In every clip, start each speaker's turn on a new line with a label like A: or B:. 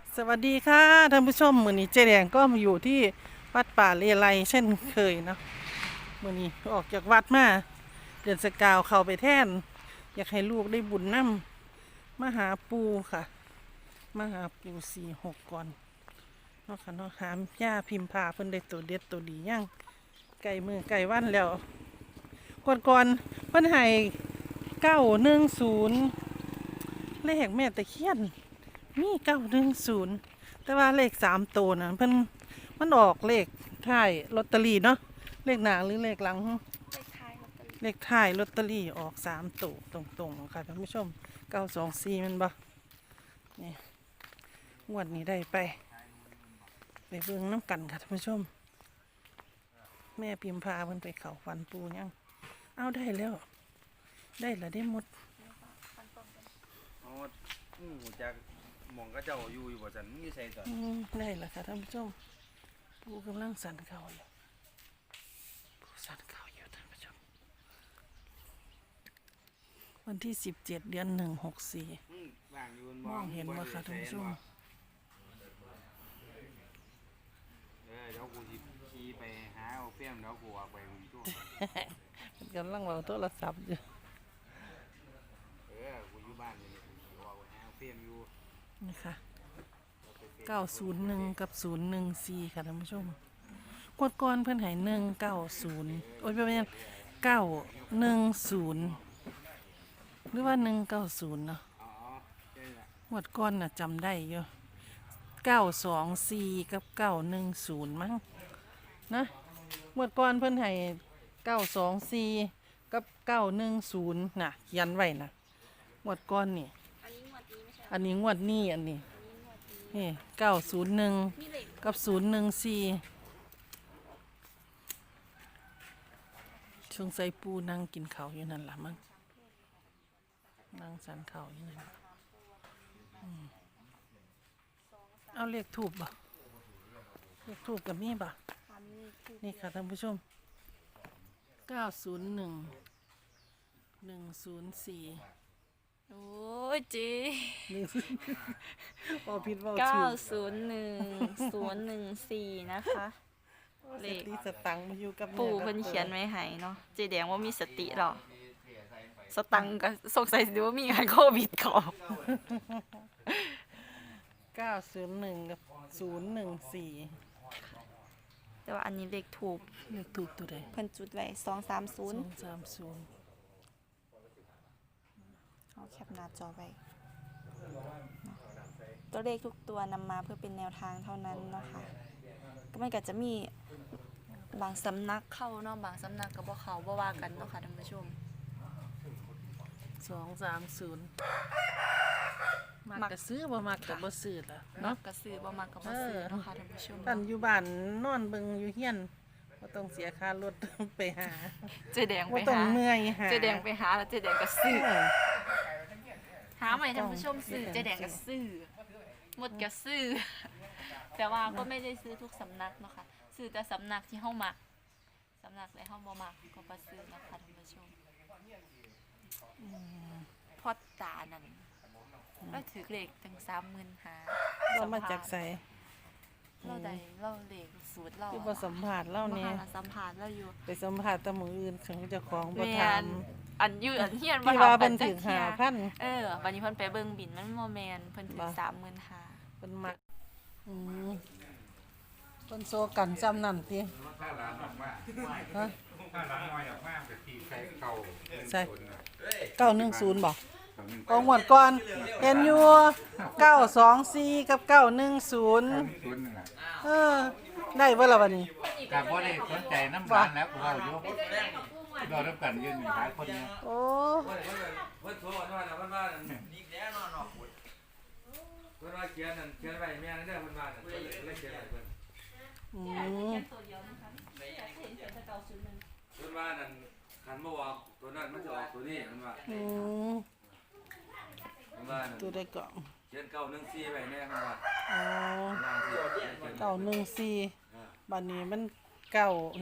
A: สวัสดีค่ะท่านผู้ชมมื้อนี้เจ๊แดงก็มาอยู่ที่วัดป่าเลไลเช่นเคยเนาะมื้อนี้ออกจากวัดมาเดือนสกาวเข้าไปแท่นอยากให้ลูกได้บุญนำมาหาปูค่ะมาหาปู46ก่อนเนาะค่ะเนาะหามย่าพิมพาเพิ่นได้ตัวเด็ดตัวดีย่างไก่มือไก่วันแล้วก่อนเพิ่นให้910เลขแม่ตะเคียน มี910แต่ว่าเลข3 ตัวนะเพิ่นมันออกเลขท้ายลอตเตอรี่เนาะเลขหน้าหรือเลขหลังเลขท้ายลอตเตอรี่ออก3 ตัวตรงๆค่ะท่านผู้ชม924มันบ่นี่งวดนี้ได้ไปเบิ่งน้ำกันค่ะท่านผู้ชมแม่พิมพาเพิ่นไปเขาฟันปูยังเอาได้แล้วได้หมด
B: อ๋อจากหมองก็เจ้าอยู่บ่ซั่นมึงอยู่ไสตอน
A: ได้แล้วค่ะท่านผู้ชมปูกำลังสั่นเขาอยู่ปูสั่นเขาอยู่ท่านผู้ชมวันที่17 เดือน 1 64
B: ว่างอยู่
A: มองเห็นบ่ค่ะท่านผู้ชม
B: เดี๋ยวกูสิขี่ไปหาเอาเฟี้ยมเดี๋ยวกูออกไปตู้
A: มันกำลังเว้าโทรศัพท์อยู่
B: กูอยู่บ้านนี่กูออกไปหาเอาเฟี้ยมอยู่
A: นี่ค่ะ901กับ014ค่ะท่านผู้ชมกดก่อนเพิ่นให้190โอ้ยบ่แม่น910หรือว่า190เนาะงวดก่อนน่ะจำได้อยู่924กับ910มั้งนะงวดก่อนเพิ่นให้924กับ910น่ะเขียนไว้น่ะงวดก่อนนี่อันนี้งวดนี้อันนี้นี่901กับ014ช่วงใส่ปูนั่งกินข้าวอยู่นั่นล่ะมั้งนั่งสันข้าวอยู่นั่นเอาเลขทูบบ่เลขทูบกับมีบ่นี่ค่ะท่านผู้ชม901 104
C: โอ้ยจี
A: พอผิดว่า
C: 901014นะคะเลข
A: สตังค์มาอยู่กับ
C: ปู่เพิ่นเขียนไว้ให้เนาะเจแดงว่ามีสติหรอสตังค์ก็สงสัยสิว่ามีงานโควิดเขา
A: 901กับ014
C: แต่ว่าอันนี้เลขถูก
A: เลขทูบตัวใด
C: เพิ่นจุดไว้230เอาแคปหน้าจอไว้ตัวเลขทุกตัวนำมาเพื่อเป็นแนวทางเท่านั้นเนาะค่ะก็มันก็จะมีบางสำนักเข้าเนาะบางสำนักก็บ่เข้าบ่ว่ากันเนาะค่ะท่านผู้ชม
A: 230มักก็ซื้อบ่มักก็บ่ซื้อล่ะ
C: เนาะ
A: เนาะ
C: ก็ซื้อบ่มักก็บ่ซื้อเนาะค่ะท่านผู้ชม
A: ท่านอยู่บ้านนอนเบิ่งอยู่เฮียนบ่ต้องเสียค่ารถไปหา
C: เจแดงไป
A: บ่ต้อง
C: หา
A: เมื่อยหา
C: เจแดงไปหาแล้วเจแดงก็ซื้อหาใหม่ท่านผู้ชมซื้อเจแดงก็ซื้อหมดก็ซื้อแต่ว่าก็ไม่ได้ซื้อทุกสำนักเนาะค่ะซื้อแต่สำนักที่เฮามักสำนักไหนเฮาบ่มักก็บ่ซื้อนะคะท่านผู้ชมพอตานั่นแล้วถือเลขถึง35,000
A: เรามาจากไส
C: เราได้เราเลขสูตรเรา
A: ที่บ่สัมภาษณ์เราแน่
C: สัมภาษณ์เราอยู่
A: ไปสัมภาษณ์แต่มื้ออื่นของเจ้าของบ่ถาม
C: อันอยู่อันเฮียน
A: ที่ว่าเพิ่นถึง5,000
C: วันนี้เพิ่นไปเบิ่งบินมันบ่แม่นเพิ่นถึง35,000
A: เพิ่นมักเพิ่นโซกันจำนั่นติฮะใช่910บ่กองหมดก่อนเห็นอยู่924กับ910ได้บ่ล่ะบัดนี้
B: ก็บ่ได้สนใจน้ำบ้านแล้วกูเว้าอยู่รอรับกันยืนหลายคนเนี่ย
A: โอ้
B: เพิ่นโทรว่าเพิ่นว่านี่แน่นอนเนาะเพิ่นว่าเขียนไว้แม่นเด้อเพิ่นว่าเพิ่นเลยเขียนไว้เพิ่นเพิ่นว่านั่นคันบ่ออกตัวนั้นมันจะออกตัวนี้เพิ่นว่าเพิ่นว่า
A: ตัวได้ก็
B: เขียน914ไว้แน่เพิ่นว่า
A: 914บัดนี้มัน910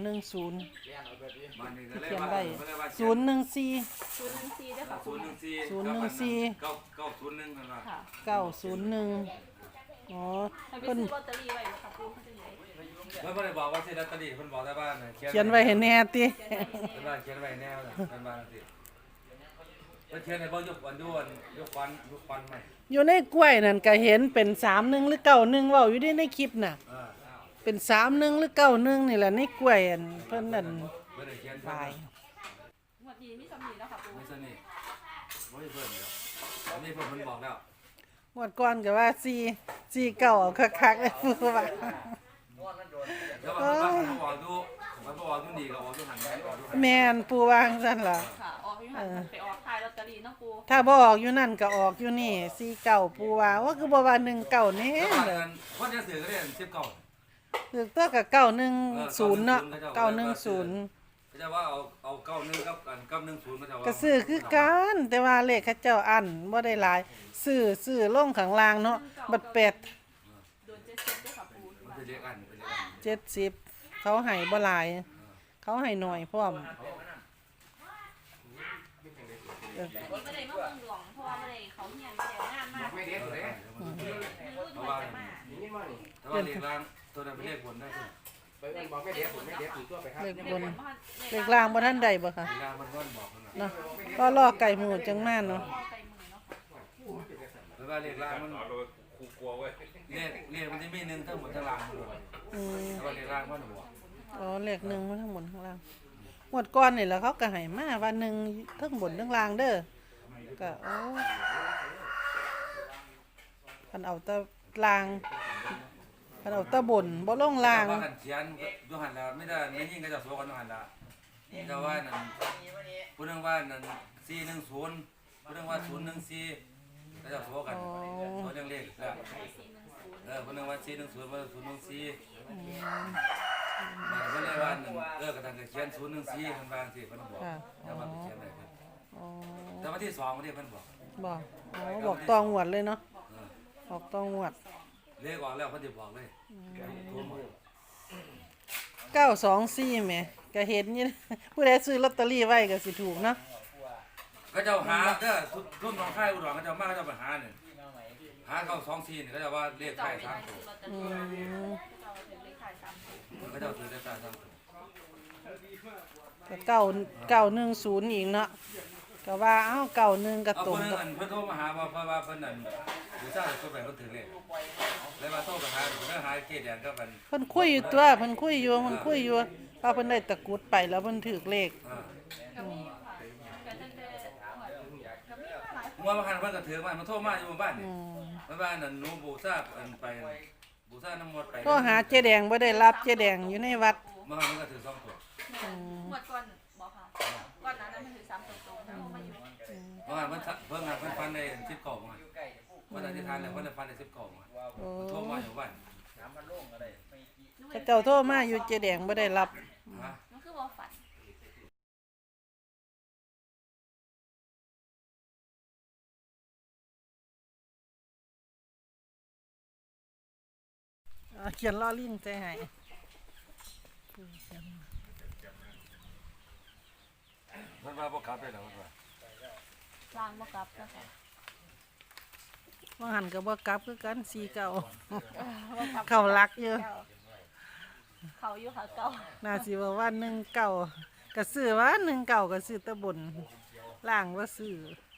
B: มันนี่ก็เลย
A: เขียน
B: ว่า
A: ได้014
C: เด้อค่ะ
B: 014
A: 901เพิ่นว่า901 อ๋อ
C: ให้ไป
A: เพิ่น
C: ซื้อลอตเตอรี่ไว้ค่ะปูเขาจะไหน
B: เพิ่นบ่ได้บอกว่าสิลอตเตอรี่เพิ่นบอกแต่ว่าน่ะ
A: เขียนไว้ให้แน่ติ
B: เพิ่นว่าเขียนไว้แนวน่ะเพิ่นว่าจังซี่เพิ่นเขียนให้บ่ยกวันยวนยกวันใหม่
A: อยู่ในกล้วยนั่นก็เห็นเป็น31หรือ91เว้าอยู่ในคลิปน่ะ เป็น31หรือ91นี่แหละในกล้วยอันเพิ่นนั่น
B: เพิ่นได้เขียน
A: ตาย
C: งวดนี้มีสำนีแล้วค่ะปู
B: ไม่สนิทบ่ได้เพิ่นแล้วอันนี้เพิ่นบอกแล้ว
A: งวดก่อนก็ว่า4 9เอาคักๆเลยพูดว่า
B: แล้วว่าเพิ่นบอกดูมันบอกดูนี่ก็ออกอยู่หั่นแม่นออกอยู่หั่น
A: แม่นปูวาจังซั่นล่ะ
C: ค่ะออกอยู่หันไปออกขายลอตเตอรี่เนาะปู
A: ถ้าบ่ออกอยู่นั่นก็ออกอยู่นี่49ปูว่าว่าคือบ่ว่า19แน่
B: แล้วว่า
A: เลย
B: กันคนจะซื้อก็ได้19
A: คือตัวก็910เนาะ910
B: เขาจะว่าเอา91กับ10เขาจะว่า
A: ก็ซื้อคือกันแต่ว่าเลขเขาเจ้าอันบ่ได้หลายซื้อลงข้างล่างเนาะบัด8
C: โดน70ด้วยค่ะปู
B: มันเป็นเลขอันเป็นเลขอัน
A: 70เขาให้บ่หลาย เขาให้น้อยพร้อม
C: ไม่ได้มาเบิ่งหลวงเพราะว่าไม่ได้เขาเฮียนไม่ได้งานมาก
D: ไม่เด็ดเลย
C: มีรุ่นใหม่จะมา
D: นี่มานี่
B: แต่ว่าเลขล่างตัวนั้นเป็นเลขบนได้สิ
D: ไปเอิ้นบอกไม่เด็ดผมไม่เด็ดถูกตัวไปครับ
A: เลข
C: เล
A: บ
C: ข
A: น
C: บน
A: เลขล่างบ่ทันได้บ่คะ
B: เลขล่างมันก็บอกกันนะ
A: เนาะก็รอไก่หมูจังมาเนาะ
C: ไก่มือเนาะค่ะ
B: แล้วว่าเลขล่างมัน
D: ครูกลัวเว้ย
B: เลขมันจะมีหนึ่งทั้งหมดทั้งล่างมันบอก
A: อืม
B: แต่ว่าเลขล่างมันบอก
A: อ๋อเลขหนึ่งมาทั้งบนทั้งล่างงวดก่อนนี่แหละเขาก็ให้มาว่าหนึ่งทั้งบนทั้งล่างเด้อก็โอ้คันเอาแตะล่างคันเอาแตะบนบ่ลงล่าง
B: แต่ว่ากันเขียนยูหันละไม่ได้ไม่ยิ่งก็จะโซกันยูหันละแต่ว่านั่นพูดเรื่องว่านั่น410พูดเรื่องว่า014ก็จะโซกันโซเรื่องเลขแล้วพูดเรื่องว่า410ว่า014มันก็เลยว่านั่นกระทั่งเขียน014มันบางสิมันบอก
A: ค่ะ
B: แต่ว่าเขียนได้ครับ
A: อ๋อ
B: แต่ว่าที่2มันที่เพิ่นบอก
A: บอกอ๋อบอกตองหวดเลยเนาะบอกตองหวด
B: เลขออกแล้วเพิ่นสิบอกเลยโทรมา
A: 924แหมก็เห็นอยู่ ผู้ใดซื้อลอตเตอรี่ไว้ก็สิถูกเนาะ
B: ก็เจ้าหาเด้อรุ่นน้องค่ายอุดรเขาเจ้ามาเขาเจ้าไปหาเนี่ยหาเขา24นี่เขาเจ้าว่าเลข
C: เจ้า
B: ท้าย
C: ไป
B: 3
C: ซื้
B: ตัว
C: อลอตเตอรี่เจ้าถึงเลขขาย3ตัว
B: เขาเจ้าถือเลขท้าย3ตัว
A: ก็910อีกเนาะก็ว่าเอ้า91ก็
B: เอา
A: ตร
B: ค
A: ง
B: นนึง
A: กับ
B: อันเพิ่นโทรมาหาว่าเพราะว่าเพิ่นนั่นอยู่ซ่าตัวไปเพิ่นถือเลขเลยมาโทรไปหาเพิ่นหาเกดแดงก็มัน
A: เพิ่นคุยอยู่ตัวเพิ่นคุยอยู่ว่าเพิ่นได้ตะกรุดไปแล้วเพิ่นถูกเลข
C: ก็มีค่ะก็ตั้งแต่ก็มีหลาย
B: เมื่อวานเพิ่นก็ถือมันโทรมาอยู่บ้านนี่
A: อืม
B: บ้านนั่นหนูบูซ่าอันไปบูซ่าน้ำมดไป
A: โทรหาเจ๊แดงบ่ได้รับเจ๊แดงอยู่ในวัด
B: เมื่อวานมันก็ถือ2ตัว
C: หมวดก่อนบอกค่ะก่อนนั้นมันถือ3ตัวตรงแล้วมาอยู่
B: เมื่อวานเพิ่นฟันได้10กล่องมาเพิ่นอธิษฐานแล้วเพิ่นฟันได้10กล่องมา
A: โอ้
B: โทรมาอยู่บ้าน
A: เขาเจ้าโทรมาอยู่เจ๊แดงบ่ได้รับ
B: ฮะ
C: มันคือบ่ฝัน
A: เขียนล้อลิงใจให้
B: เพิ่นว่าบ่กลับได้แล้วเพิ่นว่า
C: ล้างบ่กลับนะคะ
A: ว่าหันก็บ่กลับคือกัน49
C: บ่กลับ
A: เข้ารักอยู่
C: เขาอยู่ค่ะเก่า
A: น่าสิว่าว่า19ก็ซื้อว่า19ก็ซื้อแต่บนล่างบ่ซื้อ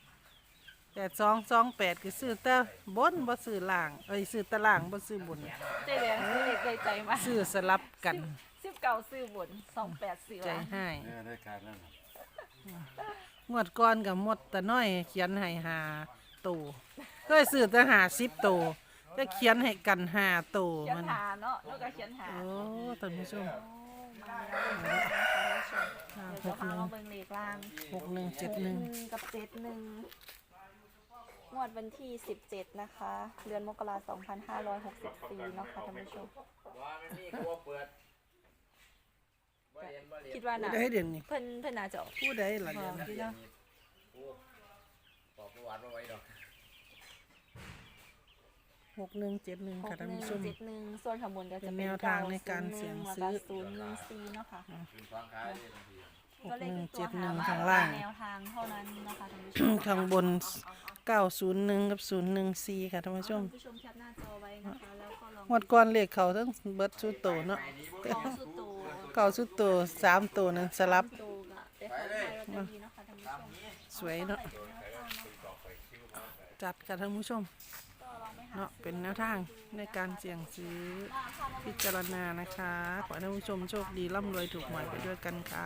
A: 8228ก็ซื้อแต่บนบ่ซื้อล่างซื้อแต่ล่างบ่ซื้อบน
C: เจ๊แดงซื้อเลขได้ใจมา
A: ซื้อสลับกัน
C: 19ซื้อบน28ซื้อ
A: ใจ
C: ล่าง
A: ให้
B: ได้การนั้น
A: งวดก่อนกับหมดแต่น้อยเขียนให้หาตัวก็ซื้อแต่50ตัวจะเขียนให้กัน5ตัว
C: เขียน
A: มัน
C: หาเนาะแล้วก็เขียนหา
A: โอ้ท่านผู้ชม
C: มาแล้วเดี๋ยวจะพามาเบิ่งเลขล่าง
A: 6171
C: กับ71งวดวันที่17นะคะเดือนมกราคม2564เนาะค่ะท่านผู้ชม
D: ว่ามันมีกลัวเปิดบ่เห็นบ่เรียน
C: คิดว่า
A: ผู้
C: น่ะ
A: ใดเด่นนี่
C: เพิ่นน่าจะออก
A: ผู้ใดล่ะ
C: บ
A: เด่
C: อน กอยู่เนาะ
D: บอกประวัติบ่ไว้ดอก
A: 6171ค่ะท่านผู้ชม
C: 6171ส่วนข้างบนก็จะ
A: เป็
C: เป็น
A: นแนวทางในการเสี่ยงซื้อ
C: แล้วก็014เนาะค่ะ
D: ขึ้นฟังขายเลยบางที
C: ตัวเลขทุกตัว
A: 6171
C: ห
A: ข้างล่าง
C: แนวทางเท่านั้นนะคะท่านผู้ชม
A: ข้างบน 901 กับ 014 ค่ะท่านผู้ชม
C: ท่านผู้ชมแคปหน้าจอไว้นะคะแล้วก็ลอง
A: งวดก่อนเลขเขาทั้งเบิดสุดโตเนาะ
C: ของสุดโต
A: เก่าสุดโต3ตัวนั้นสลับ
C: โตกับแต่ของไทยเราจะดีนะคะท่านผู้ชม
A: สวยเนาะจัดค่ะท่านผู้ชม
C: ก็ลองไปหา
A: เนาะเป็นแนวทางในการเสี่ยงซื้อพิจารณานะคะขอให้ท่านผู้ชมโชคดีร่ำรวยถูกหวยไปด้วยกันค่ะ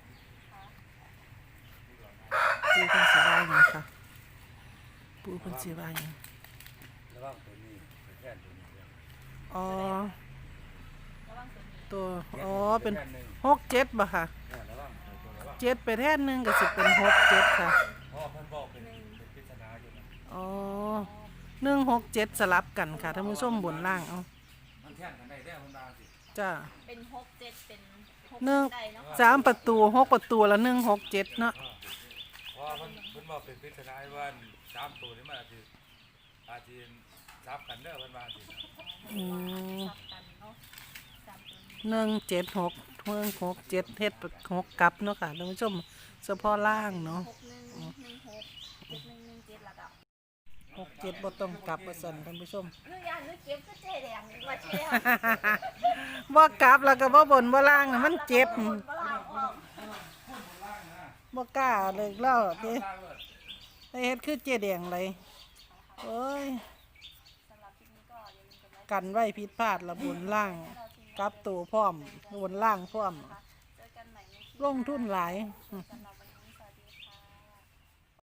A: ปูเพันสีว่าอย่างค่ะปูเพันสีว่าอย่าง
B: ระวังตัวนี้ไปแค่ตัวนี้เรื่อง
A: อ๋อ
C: ระวังตัวนี้
A: ตัวอ๋อเป็น
B: แค่หนึ่ง
A: 67บ่ค่ะ
B: เนี่ยระวังตัวระวัง
A: 7ไปแท่นหนึงก็สิเป็น67ค่ะ
B: เพราะว่าเพิ่นบอกเป็นปริศนาอยู่นะ
A: อ๋อ167สลับกันค่ะท่านผู้ชมบนล่างเอา
B: มันแท่งกันได้แท้เพิ่นว่าสิ
A: จ้า
C: เป็น6 7เป็น6
A: หนึ่ง
C: ได้เนาะ
A: 3ประตู6ประตูละ167เนาะ
B: เพราะว่าเพิ่นบอกเป็นปริศนาว่า3ตัวนี้มันอาจจะซับกันเด้อเพิ่นว่าสิ
A: อืม
C: สับกันเนาะสามตัวนี้
A: 176เฮ็ด6กลับเนาะค่ะท่านผู้ชมเฉพาะล่างเนาะ
C: 6116 7117แล้วก็
A: 67บ่ต้องกลับว่าซั่นท่านผู้ชม
C: นึกอย่างนึกเก็บก็เจ๊แดงว่าเจ๊
A: บ่กลับแล้วก็บ่บนบ่ล่างน่ะมันเจ็บ
C: บ่ล่างออก
A: บ่กล้าเลยเล่าติไปเฮ็ดคือเจ๊แดงเลยโอ้ย
C: สำหรับคลิปนี้ก็อย่าลืมกดไลค์
A: กันไว้ผิดพลาดละบนล่างกลับตัวพร้อมบนล่างพร้อม
C: เจอกันใหม่ในคลิป
A: ลงทุนหลาย
C: สำหรับ